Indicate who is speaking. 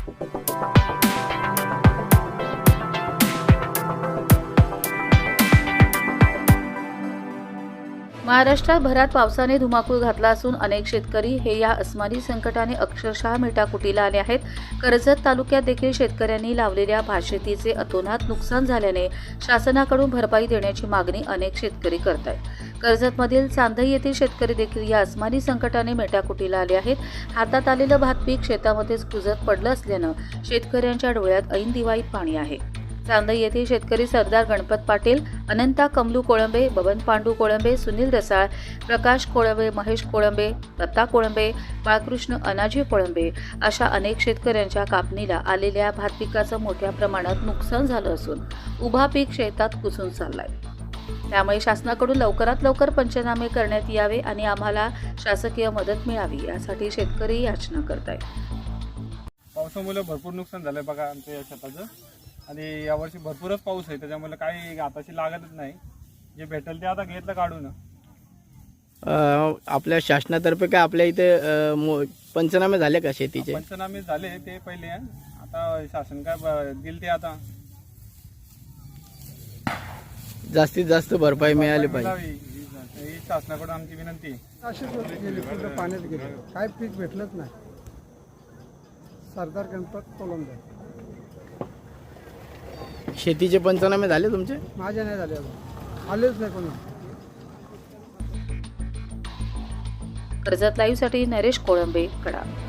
Speaker 1: महाराष्ट्राभरात पावसाने धुमाकूळ घातला असून अनेक शेतकरी हे या अस्मानी संकटाने अक्षरशः मेटाकुटीला आले आहेत। कर्जत तालुक्यात देखील शेतकऱ्यांनी लावलेल्या भातशेतीचे अतोनात नुकसान झाल्याने शासनाकडून भरपाई देण्याची मागणी अनेक शेतकरी करत आहेत। कर्जतमधील चांदई येथील शेतकरी देखील या अस्मानी संकटाने मेटाकुटीला आले आहेत। हातात आलेलं भात पीक शेतामध्येच कुजत पडलं असल्यानं शेतकऱ्यांच्या डोळ्यात ऐन दिवाळीत पाणी आहे। चांदई येथील शेतकरी सरदार गणपत पाटील, अनंता कमलू कोळंबे, बबन पांडू कोळंबे, सुनील रसाळ, प्रकाश कोळंबे, महेश कोळंबे, दत्ता कोळंबे, बाळकृष्ण अनाजी कोळंबे अशा अनेक शेतकऱ्यांच्या कापणीला आलेल्या भात पिकाचं मोठ्या प्रमाणात नुकसान झालं असून उभा पीक शेतात कुजून चाललाय। त्यामुळे शासनाकडून लवकरात लवकर पंचनामे करण्यात यावे आणि आम्हाला शासकीय मदत मिळावी यासाठी शेतकरी याचना करतायत।
Speaker 2: पावसामुळे भरपूर नुकसान झालंय बघा आमच्या या शेताचं, आणि यावर्षी भरपूरच पाऊस आहे त्याच्यामुळे काही आताशी लागतच नाही। जे भेटेल ते आता घेतलं काढून।
Speaker 3: आपल्या शासनातर्फे काय आपल्या इथे पंचनामे झाले का शेतीचे?
Speaker 2: पंचनामे झाले ते पहिले, आता शासन काय दिल ते आता
Speaker 3: जास्तीत जास्त भरपाई मिळाली पाहिजे
Speaker 2: ही शासनाकडून आमची विनंती आहे।
Speaker 4: अशीच पाण्यात गेले, काय पीक भेटलंच नाही। सरदार गणपत कोळंबे।
Speaker 3: शेतीचे पंचनामे झाले तुमचे?
Speaker 4: माझ्या नाही झाले अजून, आलेच नाही कोणी।
Speaker 1: कर्जत लाईव्हसाठी नरेश कोळंबे, कडा।